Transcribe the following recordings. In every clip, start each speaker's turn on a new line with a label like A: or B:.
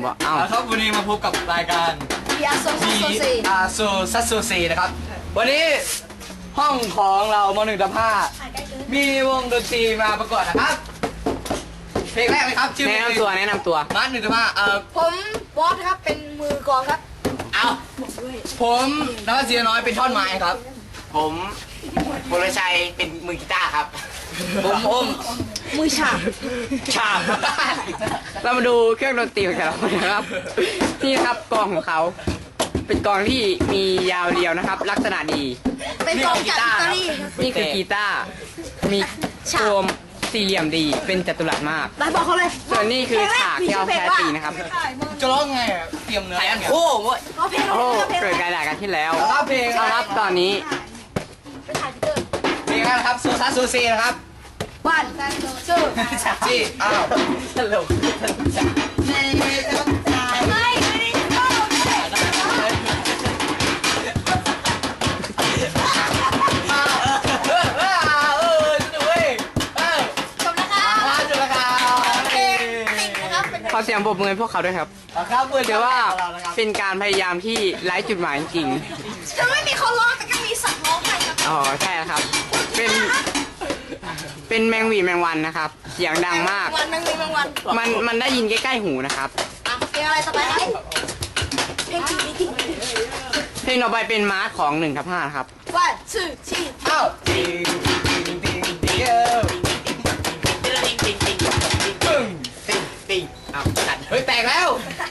A: บอกอ้าว
B: ครับวันนี้มาพบกับรายการ
C: BRโซ
B: ซัสโซเซนะครับวันนี้ห้องของเราม.1 ทับ 5มีวงดนตรีมาประกวดนะครับเพลงแรกเลยครับชื่อ
A: แนะนำตัว
B: มาร์ท1 ทับ 5
C: ผมบอสครับเป็นมือกลองครับ
B: เอาผมนวัดเสียน้อยเป็นท่อนไม้ครับ
A: ผมบรชัยเป็นมือกีตาร์ครับ
B: ผมอม
C: มือฉาบ
B: ฉาบ
A: เรามาดูเครื่องดนตรีของแต่ละคนนะครับ นี่นะครับกลองของเขาเป็นกลองที่มียาวเรียวนะครับ ลักษณะดี
C: เป็นกลองจากอิตาลีครับ
A: นี่คือกีตาร์มีโคมสี่เหลี่ยมดีเป็นจัตุรัสมาก
C: ได้บอกเขาเลย
A: ส่วนนี้คือฉากที่เราแพ้ตีนะครับ
B: จะร้องไงอะเตรียมเนื้อ
A: โอ้โห
C: ร้องเพลง
A: โอ้
C: ร้องเพลง
A: เกิดการด่ากันที่แล้ว
B: แล้วเพลง
A: เอาครับตอนนี้
C: ไปถ่ายพีเตอร์
B: เพลงนะครับโซซัสโซเซนะครับ
C: บ้านชื่อ
B: ที่อ้าวตลก
C: ไม่ได้ชอบเลย จบแล้วครับ
B: มาจุดละครับ
C: เพลงติ่งนะครับเป็น
A: ขอเสียงปรบมือให้พวกเขาด้วยครับ
B: ครับเพื่อน
A: เดี๋ยวว่า
B: เรานะครับ
A: เป็นการพยายามที่ไร้จุดหมายจริง
C: จะไม่มีเขาร้องแต่ก็มีสัตว์ร้องให้ครับ
A: ๆอ๋อใช่ครับ เป็นแมงหวีแมงวันนะครับ เสียงดังมาก
C: วันนึงมีบางวัน
A: มันได้ยินใกล้ๆหูนะครับ
C: อ่ะเพลงอะไรต่อไปครับเพลงติ่ง
A: เพลงต่อไปเป็นมาร์คของ1 ทับ 5ครับ
C: วันชื่อที่
B: อ้าวติงติงติงติงเอ้าปึ้งติงติงอ้าวตัดเฮ้ยแตกแล้ว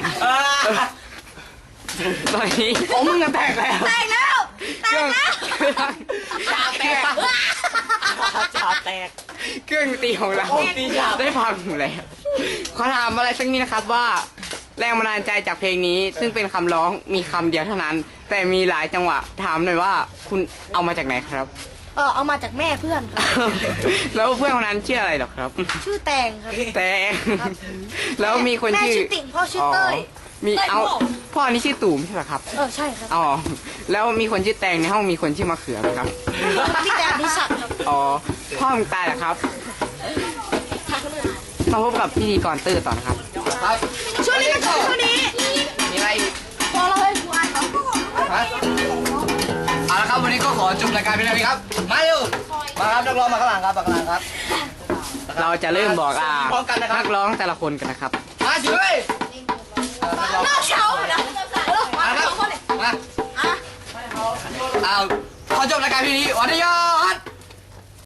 A: ตอนนี้
B: ของมึงอะแตกแล้ว
C: แตกแล้วแต
A: เครื่
C: ก
A: อง
C: แล้ว
B: ชาแตกชาแตก
A: เครื่องดนตรีของเรา
B: โอ้ตีฉาบ
A: ได้พังแล้วขอถามอะไรสักนิดนะครับว่าแรงบันดาลใจจากเพลงนี้ ซึ่งเป็นคำร้องมีคำเดียวเท่านั้น แต่มีหลายจังหวะถามหน่อยว่าคุณเอามาจากไหนครับ
C: เอามาจากแม่เพื่อนครับ
A: แล้วเพื่อนคนนั้นชื่ออะไรหรอครับ
C: ชื่อแตงครับ
A: แต่แล้วมีคน
C: แม่
A: ชื่อ
C: ชื่อติ่งพ่อชื่อเต้ย
A: มี
C: เต้ย
A: เอา
C: โม่
A: พ่อนี่ชื่อตู่ไม่ใช่เหรอครับ
C: ใช่ครับ
A: อ๋อแล้วมีคนชื่อแตงในห้องมีคนชื่อมะเขือไหมครับ
C: พี่แตงพิศักดิ์ครับ
A: อ๋อพ่อมึงตายเหรอครับ มาพบกับพิธีกรตื้อต่อนะครับ
B: ครับ
C: ช่วงนี้ก็ช่วงนี้
B: มีอะไรอีก
C: พอเราให้กูอ่านครับ
B: ฮะเอาละครับวันนี้ก็ขอจบรายการเพียงเท่านี้ครับมาเร็วมาครับนักร้องมาข้างหลังครับมาข้างหลังครับ
A: เราจะเริ่มบอก
B: พร้อมกันนะครับ
A: นักร้องแต่ละคนกันนะครับ
B: มาสิเว้ย
C: นอกเช้านะมา
B: มาค
C: ส
B: รับ
C: องคนเลย
B: มา
C: อ่ะ
B: เอาขอจบรายการเพียงนี้สวัสดีครับ